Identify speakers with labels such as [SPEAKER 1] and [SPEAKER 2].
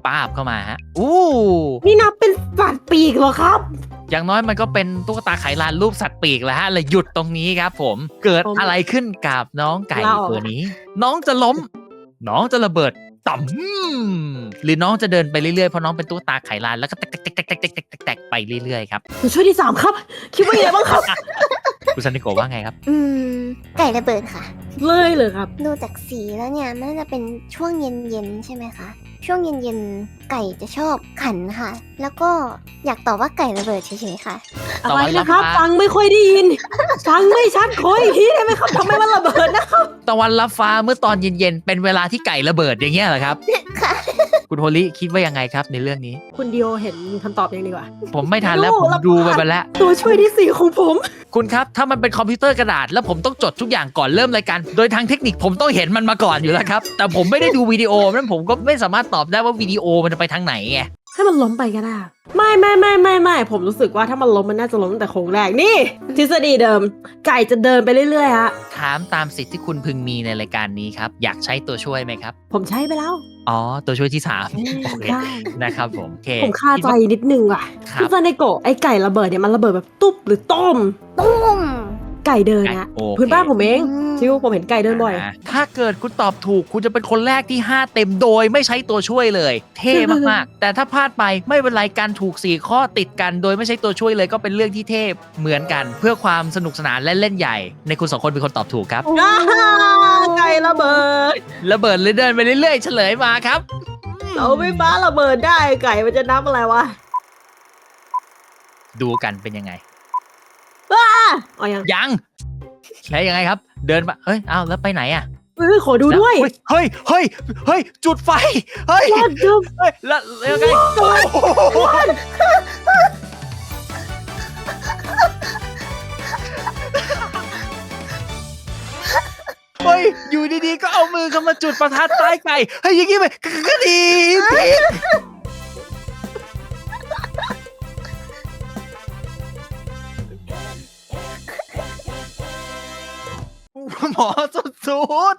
[SPEAKER 1] ป้าบเข้ามาฮะอู้
[SPEAKER 2] นี่นับเป็นสัตว์ปีกเหรอครับ
[SPEAKER 1] อย่างน้อยมันก็เป็นตุ๊กตาไขลานรูปสัตว์ปีกแล้วฮะเลยหยุดตรงนี้ครับผมเกิดอะไรขึ้นกับน้องไก่ตัวนี้ น้องจะล้ม น้องจะระเบิดต่ำหรือน้องจะเดินไปเรื่อยๆเพราะน้องเป็นตุ๊กตาไขลานแล้วก็แตกไปเรื่อยๆครับ
[SPEAKER 2] ตัวช่วยที่3ครับคิดว่ายังไงบ้างครับ
[SPEAKER 1] คุณซันนิโกะว่าไงครับ
[SPEAKER 3] ไก่ระเบิดค่ะ
[SPEAKER 2] เลยครับ
[SPEAKER 3] ดูจากสีแล้วเนี่ยมันน่าจะเป็นช่วงเย็นๆใช่ไหมคะ ช่วงเย็นๆไก่จะชอบขันค่ะ แล้วก็อยากตอบว่าไก่ระเบิดเฉยๆค่ะ
[SPEAKER 2] อะไรนะครับฟังไม่ค่อยได้ยิน ฟังไม่ชัดขออีกทีได้ไหมครับทำไมมันระเบิดนะครับ
[SPEAKER 1] ตะวันรับฟ้าเมื่อตอนเย็นๆเป็นเวลาที่ไก่ระเบิดอย่างเงี้ยเหรอครับ
[SPEAKER 3] ค่ะ
[SPEAKER 1] คุณโฮลิคิดว่ายังไงครับในเรื่องนี้
[SPEAKER 2] คุณดิโอเห็นคำตอบยังดีกว่า
[SPEAKER 1] ผมไม่ทันแล้วผมดูไปแล้ว
[SPEAKER 2] ตัวช่วยที่ 4 ของผม
[SPEAKER 1] คุณครับถ้ามันเป็นคอมพิวเตอร์กระดาษแล้วผมต้องจดทุกอย่างก่อนเริ่มรายการโดยทางเทคนิคผมต้องเห็นมันมาก่อนอยู่แล้วครับแต่ผมไม่ได้ดูวิดีโอนั้นผมก็ไม่สามารถตอบได้ว่าวิดีโอมันจะไปทางไหนไง
[SPEAKER 2] ให้มันล้มไปก็ได้ไม่ผมรู้สึกว่าถ้ามันล้มมันน่าจะล้มตั้งแต่โค้งแรกนี่ ทฤษฎีเดิม ไก่จะเดินไปเรื่อยๆฮะ
[SPEAKER 1] ถามตามสิทธิ์ที่คุณพึงมีในรายการนี้ครับอยากใช้ตัวช่วยไหมครับ
[SPEAKER 2] ผมใช้ไปแล้ว
[SPEAKER 1] อ๋อตัวช่วยที่3โอเค
[SPEAKER 2] ได้
[SPEAKER 1] นะครับผมโอเค
[SPEAKER 2] ผมคาใจนิดนึงว่ะ
[SPEAKER 1] ครับ
[SPEAKER 2] พี่ซาเนโกะไอไก่ระเบิดเนี่ยมันระเบิดแบบตุ๊บหรือต้ม
[SPEAKER 3] ตุ้ม
[SPEAKER 2] ไก่เดินนะ
[SPEAKER 1] โอเค
[SPEAKER 2] พื้นบ้านผมเอง
[SPEAKER 3] อืม
[SPEAKER 2] ชิวผมเห็นไก่เดินบ่อย
[SPEAKER 1] ถ้าเกิดคุณตอบถูกคุณจะเป็นคนแรกที่5เต็มโดยไม่ใช้ตัวช่วยเลย เท่มากๆ แต่ถ้าพลาดไปไม่เป็นไรการถูก4ข้อติดกัน โดยไม่ใช้ตัวช่วยเลยก็เป็นเรื่องที่เท่เหมือนกัน เพื่อความสนุกสนานและเล่นใหญ่ ในคุณ2คนเป็นคนตอบถูกครับ
[SPEAKER 2] ไก่ระเบิด
[SPEAKER 1] ระเบิดเลยเดินไปเรื่อยๆเฉลยมาครับ
[SPEAKER 2] เอาไม่ฟ้าระเบิดได้ไก่มันจะนับอะไรวะ
[SPEAKER 1] ดูกันเป็นยังไง
[SPEAKER 2] อ๋อยัง
[SPEAKER 1] ยังแล้วยังไงครับ เดินมาเฮ้ยอ้าวแล้วไปไหนอ่ะ
[SPEAKER 2] ขอดูด้วย
[SPEAKER 1] เฮ้ยจุดไฟเฮ้ย
[SPEAKER 2] What the
[SPEAKER 1] เฮ้ยแล้วยังไงโอ้โหเฮ้ยอยู่ดีๆก็เอามือเข้ามาจุดประทัดใต้ไก่เฮ้ยอย่างงี้ไปก็ดีผิดหมอสุด